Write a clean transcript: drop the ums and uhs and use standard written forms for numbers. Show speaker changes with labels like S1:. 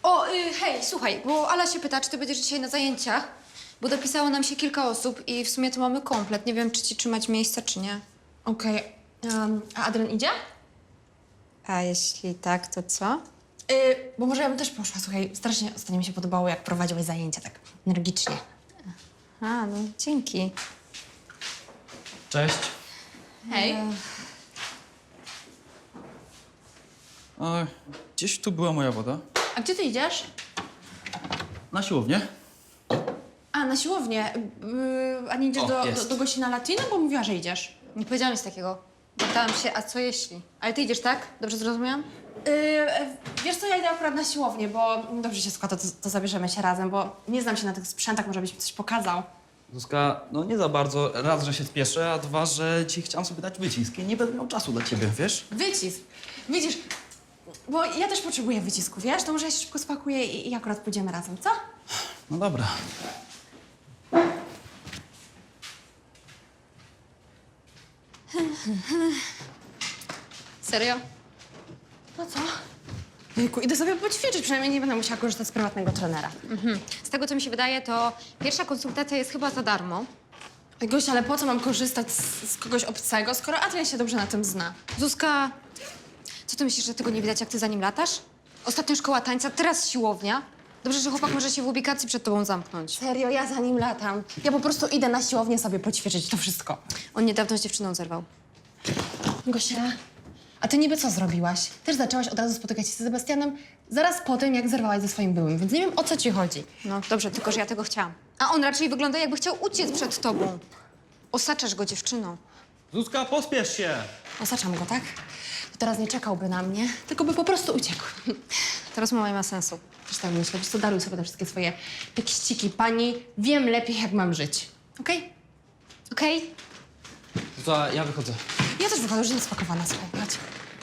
S1: Hej, słuchaj, bo Ala się pyta, czy ty będziesz dzisiaj na zajęciach, bo dopisało nam się kilka osób i w sumie to mamy komplet. Nie wiem, czy ci trzymać miejsca, czy nie.
S2: Okej. A Adrian idzie?
S1: A jeśli tak, to co?
S2: Bo może ja bym też poszła. Słuchaj, strasznie ostatnio mi się podobało, jak prowadziłeś zajęcia tak energicznie.
S1: A, no dzięki.
S3: Cześć.
S2: Hej.
S3: Gdzieś tu była moja woda.
S2: A gdzie ty idziesz?
S3: Na siłownię.
S2: A, na siłownię. A nie idziesz
S3: Jest.
S2: do gości na latino? Bo mówiła, że idziesz.
S1: Nie powiedziałam nic takiego. Pytałam się, a co jeśli? Ale ty idziesz, tak? Dobrze zrozumiałam?
S2: Wiesz co, ja idę akurat na siłownię, bo dobrze się składa, to zabierzemy się razem, bo nie znam się na tych sprzętach, może byś mi coś pokazał.
S3: Zuzka, no nie za bardzo. Raz, że się spieszę, a dwa, że ci chciałam sobie dać wycisk i nie będę miał czasu dla ciebie, wiesz?
S2: Wycisk. Widzisz, bo ja też potrzebuję wycisku, wiesz? To może ja się szybko spakuję i akurat pójdziemy razem, co?
S3: No dobra.
S1: Serio?
S2: No co? Jejku, idę sobie poćwiczyć, przynajmniej nie będę musiała korzystać z prywatnego trenera.
S1: Z tego, co mi się wydaje, to pierwsza konsultacja jest chyba za darmo.
S2: Oj, Gosia, ale po co mam korzystać z kogoś obcego, skoro Adrian się dobrze na tym zna?
S1: Zuzka, co ty myślisz, że tego nie widać, jak ty za nim latasz? Ostatnio szkoła tańca, teraz siłownia. Dobrze, że chłopak może się w ubikacji przed tobą zamknąć.
S2: Serio, ja za nim latam. Ja po prostu idę na siłownię sobie poćwiczyć, to wszystko.
S1: On niedawno z dziewczyną zerwał.
S2: Gosia, a ty niby co zrobiłaś? Też zaczęłaś od razu spotykać się z Sebastianem zaraz po tym, jak zerwałaś ze swoim byłym, więc nie wiem, o co ci chodzi.
S1: No dobrze, tylko że ja tego chciałam. A on raczej wygląda, jakby chciał uciec przed tobą. Osaczasz go dziewczyną.
S3: Zuzka, pospiesz się!
S2: Osaczam go, tak? To teraz nie czekałby na mnie, tylko by po prostu uciekł.
S1: Ta rozmowa nie ma sensu.
S2: Też tak myślę, wiesz co, daruj sobie te wszystkie swoje tekściki. Pani, wiem lepiej, jak mam żyć. Okej?
S1: Okej?
S3: Zuzka, ja wychodzę.
S2: Ja też wychodzę, już jestem spakowana, słuchaj, chodź.